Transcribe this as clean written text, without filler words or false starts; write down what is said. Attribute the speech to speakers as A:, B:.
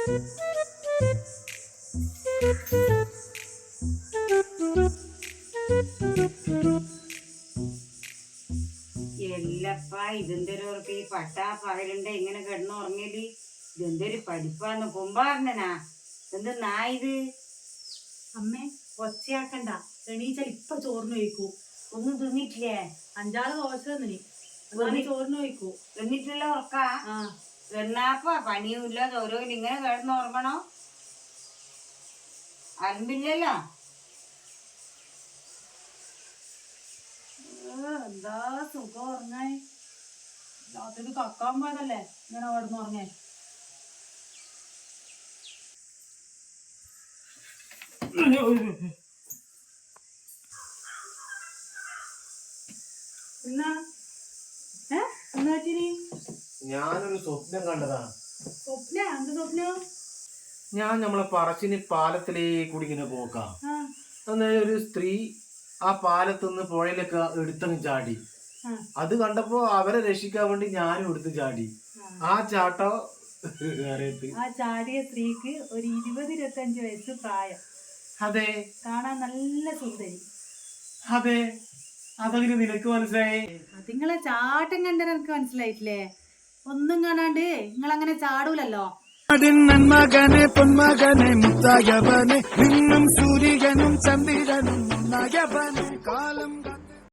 A: എല്ലപ്പാ ഇതെന്തൊരു ഈ പട്ടാ പകലുണ്ട് ഇങ്ങനെ കിടന്നുറങ്ങല്. ഇതെന്തൊരു പഠിപ്പാന്ന് കുമ്പാറിനാ എന്തെന്നാ ഇത്?
B: അമ്മേ ഒച്ചയാക്കണ്ട, എണീച്ചാൽ ഇപ്പൊ ചോറിന് വയ്ക്കൂ.
A: ഒന്നും തിന്നിട്ടില്ലേ?
B: 5-6 ദോശ തിന്നിനി, ചോറിന് വയ്ക്കൂ.
A: തിന്നിട്ടില്ല ഉറക്കാ? എന്നാപ്പാ പണിയുമില്ല ഓരോ ഇങ്ങനെ കിടന്നുറങ്ങണോ? അലമ്പില്ലല്ലോ.
B: എന്താ സുഖം ഉറങ്ങാൻ. രാത്രി കക്കാൻ പോയതല്ലേ ഇങ്ങനെ കിടന്ന് ഉറങ്ങേ.
C: ഞാനൊരു സ്വപ്നം കണ്ടതാണ്.
B: എന്ത് സ്വപ്നം?
C: ഞാൻ നമ്മളെ പറശ്ശിനി പാലത്തിലേക്ക് കൂടി ഇങ്ങനെ പോക്കാം. അന്നേരം ഒരു സ്ത്രീ ആ പാലത്തുനിന്ന് പുഴയിലൊക്കെ എടുത്തങ്ങ് ചാടി. അത് കണ്ടപ്പോ അവരെ രക്ഷിക്കാൻ വേണ്ടി ഞാനും എടുത്ത് ചാടി. ആ ചാട്ടോ
B: ആ ചാടിയ സ്ത്രീക്ക് ഒരു 20-25 വയസ്സ് പ്രായം.
C: അതെ.
B: കാണാൻ നല്ല സുന്ദരി.
C: അതെ. അതെങ്ങനെ നിനക്ക് മനസ്സിലായി?
B: നിങ്ങളെ ചാട്ടം കണ്ടാൽ എനിക്ക് മനസ്സിലായിട്ടില്ലേ? ഒന്നും കാണാണ്ട് നിങ്ങളങ്ങനെ ചാടൂലല്ലോ.
D: മകനെ പൊന്മകനെ മുത്തായവനെ നിന്നും സൂര്യനും ചന്ദ്രനും കാലം